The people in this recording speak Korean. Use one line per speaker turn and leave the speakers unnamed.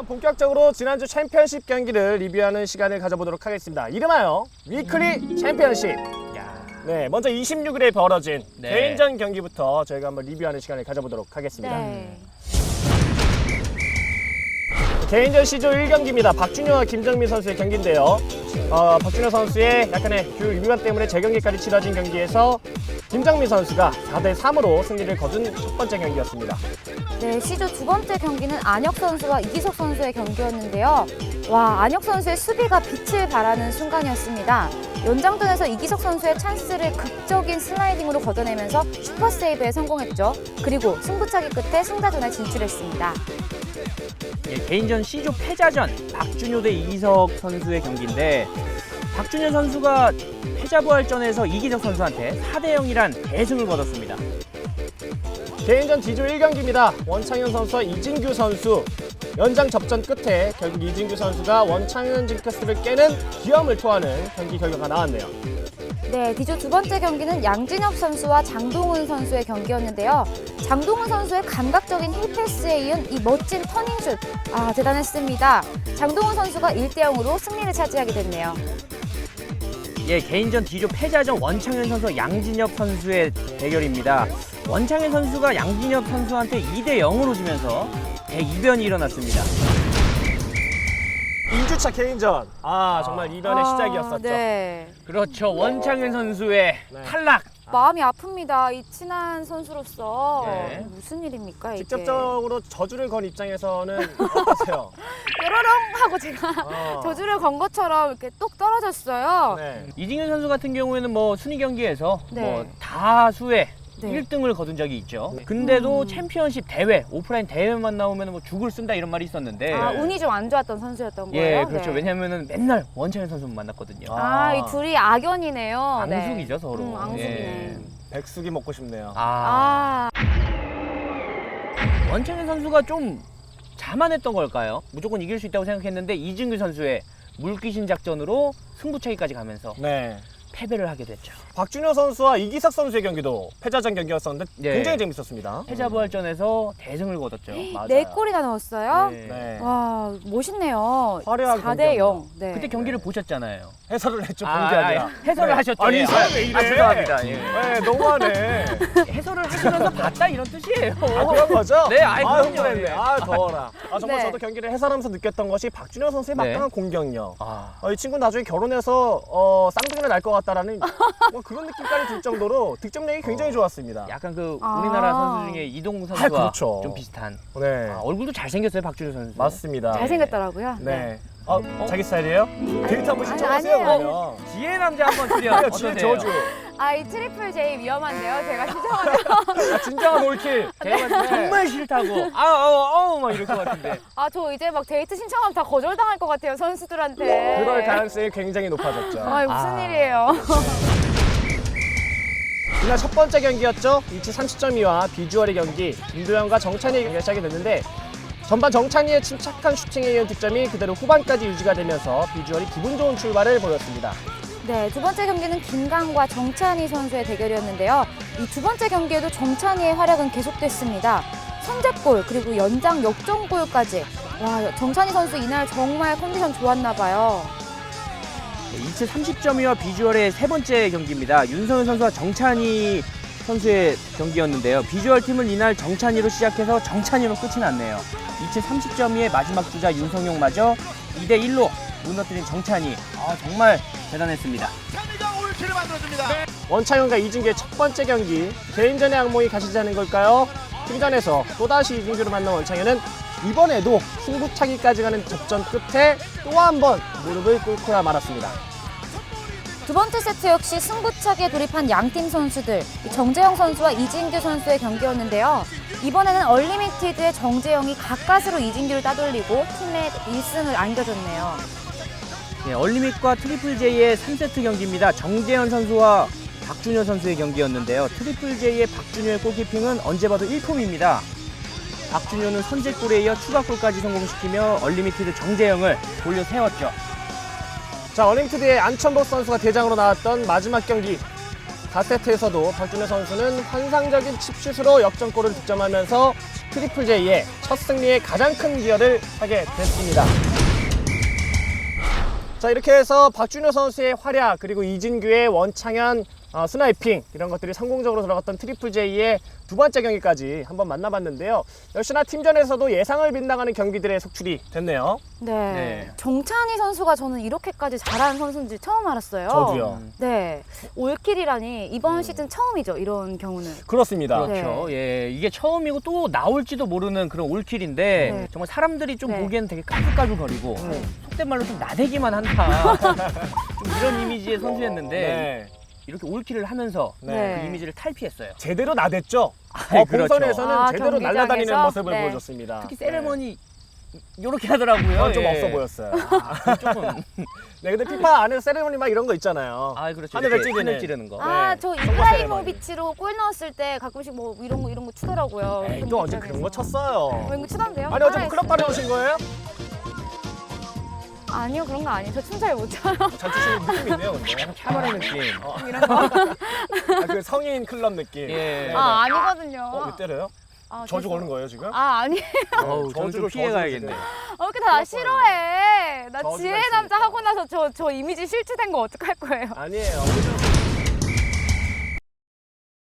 그럼 본격적으로 지난주 챔피언십 경기를 리뷰하는 시간을 가져보도록 하겠습니다. 이름하여 위클리 챔피언십. 네, 먼저 26일에 벌어진 개인전 경기부터 저희가 한번 리뷰하는 시간을 가져보도록 하겠습니다. 개인전 C조 1경기입니다. 박준효와 김정민 선수의 경기인데요. 박준효 선수의 약간의 규율 위반 때문에 재경기까지 치러진 경기에서 김정민 선수가 4대3으로 승리를 거둔 첫 번째 경기였습니다.
네, C조 두 번째 경기는 안혁 선수와 이기석 선수의 경기였는데요. 와, 안혁 선수의 수비가 빛을 발하는 순간이었습니다. 연장전에서 이기석 선수의 찬스를 극적인 슬라이딩으로 걷어내면서 슈퍼세이브에 성공했죠. 그리고 승부차기 끝에 승자전에 진출했습니다.
개인전 C조 패자전 박준효 대 이기석 선수의 경기인데 박준효 선수가 패자부활전에서 이기석 선수한테 4대0이란 대승을 거뒀습니다.
개인전 D조 1경기입니다. 원창현 선수와 이진규 선수 연장 접전 끝에 결국 이진규 선수가 원창현 징크스를 깨는 기염을 토하는 경기 결과가 나왔네요.
네, D조 두 번째 경기는 양진혁 선수와 장동훈 선수의 경기였는데요. 장동훈 선수의 감각적인 힐패스에 이은 이 멋진 터닝슛, 대단했습니다. 장동훈 선수가 1대0으로 승리를 차지하게 됐네요.
개인전 D조 패자전 원창현 선수와 양진혁 선수의 대결입니다. 원창현 선수가 양진혁 선수한테 2대0으로 지면서 대이변이 일어났습니다.
2주차 개인전. 정말 이변의 시작이었었죠.
네.
그렇죠. 원창현 선수의 탈락.
마음이 아픕니다. 이 친한 선수로서
네.
무슨 일입니까 이게?
직접적으로 저주를 건 입장에서는 어떠세요?
뾰로롱 하고 제가 저주를 건 것처럼 이렇게 똑 떨어졌어요.
네.
이진규 선수 같은 경우에는 순위 경기에서
네.
다수의
네.
1등을 거둔 적이 있죠.
네.
근데도 챔피언십 대회, 오프라인 대회만 나오면 죽을 쓴다 이런 말이 있었는데
운이 좀 안 좋았던 선수였던 거예요?
그렇죠.
네.
왜냐면은 맨날 원창현 선수만 만났거든요.
이 둘이 악연이네요.
앙숙이죠, 서로.
앙숙이네.
백숙이 먹고 싶네요.
원창현 선수가 좀 자만했던 걸까요? 무조건 이길 수 있다고 생각했는데 이진규 선수의 물귀신 작전으로 승부차기까지 가면서
네.
패배를 하게 됐죠.
박준효 선수와 이기석 선수의 경기도 패자전 경기였었는데 굉장히 재밌었습니다.
패자부활전에서 대승을 거뒀죠.
맞아요.
4골이나 넣었어요?
네.
와, 멋있네요.
화려한
4대0. 네.
그때 경기를 보셨잖아요.
해설을 했죠. 본 게 아니라.
해설을 하셨죠.
아니, 이 사람 왜 이래?
죄송합니다.
네, 너무하네.
해설을 하시면서 봤다 이런 뜻이에요.
그런 거죠?
네, 그럼요.
흥분했네. 더워라. 정말
네.
저도 경기를 해설하면서 느꼈던 것이 박준효 선수의 막강한 공격력. 이 친구 나중에 결혼해서 쌍둥이를 낳을 것 같다라는 그런 느낌까지 들 정도로 득점력이 굉장히 좋았습니다.
약간 우리나라 선수 중에 이동국 선수와
그렇죠.
좀 비슷한.
네.
얼굴도 잘생겼어요, 박준효 선수.
맞습니다.
잘생겼더라고요.
네. 자기 스타일이에요? 데이트 한번 신청하세요,
아니에요.
그러면.
지혜 남자 한번 드려.
지혜 저주.
이 트리플 J 위험한데요. 제가 신청하면.
진정한 올킬.
제가 정말 싫다고. 막 이럴 것 같은데.
저 이제 막 데이트 신청하면 다 거절당할 것 같아요. 선수들한테.
그럴 가능성이 굉장히 높아졌죠.
무슨 일이에요.
이날 첫 번째 경기였죠. 위치 30.2와 비주얼의 경기. 김도현과 정찬희의 경기가 시작이 됐는데 전반 정찬희의 침착한 슈팅에 이은 득점이 그대로 후반까지 유지가 되면서 비주얼이 기분 좋은 출발을 보였습니다.
네, 두 번째 경기는 김강과 정찬희 선수의 대결이었는데요. 이 두 번째 경기에도 정찬희의 활약은 계속됐습니다. 선제골 그리고 연장 역전골까지. 와, 정찬희 선수 이날 정말 컨디션 좋았나 봐요.
2차 30점이와 비주얼의 세 번째 경기입니다. 윤성현 선수와 정찬희 선수의 경기였는데요. 비주얼 팀은 이날 정찬희로 시작해서 정찬희로 끝이 났네요. 2차 30점이의 마지막 주자 윤성용마저 2대1로 무너뜨린 정찬희. 정말 대단했습니다.
원창현과 이진규의 첫 번째 경기. 개인전의 악몽이 가시지 않은 걸까요? 팀전에서 또다시 이진규를 만난 원창현은 이번에도 승부차기까지 가는 접전 끝에 또 한 번 무릎을 꿇고야 말았습니다.
두 번째 세트 역시 승부차기에 돌입한 양팀 선수들, 정재영 선수와 이진규 선수의 경기였는데요. 이번에는 얼리미티드의 정재영이 가까스로 이진규를 따돌리고 팀에 1승을 안겨줬네요.
얼리밋과 트리플 J의 3세트 경기입니다. 정재현 선수와 박준효 선수의 경기였는데요. 트리플 J의 박준효의 골키핑은 언제 봐도 일품입니다. 박준효는 선제골에 이어 추가골까지 성공시키며 얼리미티드 정재영을 돌려 세웠죠.
자, 얼리미티드의 안천복 선수가 대장으로 나왔던 마지막 경기. 4세트에서도 박준호 선수는 환상적인 칩슛으로 역전골을 득점하면서 트리플 J의 첫 승리에 가장 큰 기여를 하게 됐습니다. 자, 이렇게 해서 박준호 선수의 활약 그리고 이진규의 원창현 스나이핑 이런 것들이 성공적으로 들어갔던 트리플 J의 두 번째 경기까지 한번 만나봤는데요. 역시나 팀전에서도 예상을 빗나가는 경기들의 속출이 됐네요.
네.
네.
정찬희 선수가 저는 이렇게까지 잘하는 선수인지 처음 알았어요.
저도요.
네. 올킬이라니 이번 시즌 처음이죠. 이런 경우는.
그렇습니다.
그렇죠. 예, 이게 처음이고 또 나올지도 모르는 그런 올킬인데
네.
정말 사람들이 좀
네.
보기에는 되게 까불까불거리고 속된 말로 좀 나대기만 한다. 좀 이런 이미지의 선수였는데
네.
이렇게 올킬을 하면서
네.
그 이미지를 탈피했어요.
제대로 나댔죠.
그렇죠.
본선에서는 제대로
경기장에서?
날아다니는 모습을
네.
보여줬습니다.
특히 세레머니 요렇게 하더라고요.
네. 좀
예.
없어 보였어요.
조금.
네, 근데 피파 안에 세레모니 막 이런 거 있잖아요.
아, 그렇죠.
하늘을
이렇게
찌르는.
하늘 찌르는 거.
아,
네.
저
선거
이브라이모비치로 골 넣었을 때 가끔씩 뭐 이런 거 추더라고요.
에이, 또 언제 그런 거 쳤어요.
이런 거 추던데요?
아니, 어제
아,
클럽 다녀오신 거예요?
아니요, 그런 거 아니에요. 저 춤 잘 못 춰요.
잘 추시는 느낌이 있네요, 근데.
카바레 느낌.
이런 거.
아, 그 성인 클럽 느낌.
예.
네,
아,
네.
아니거든요.
왜 때려요?
아,
저주
죄송-
거는 거예요, 지금?
아, 아니에요.
어우, 저는 좀 피해가야겠네.
왜 이렇게 다 싫어해? 나
저주가
지혜
있으니까.
남자 하고 나서 저 이미지 실추된 거 어떡할 거예요?
아니에요.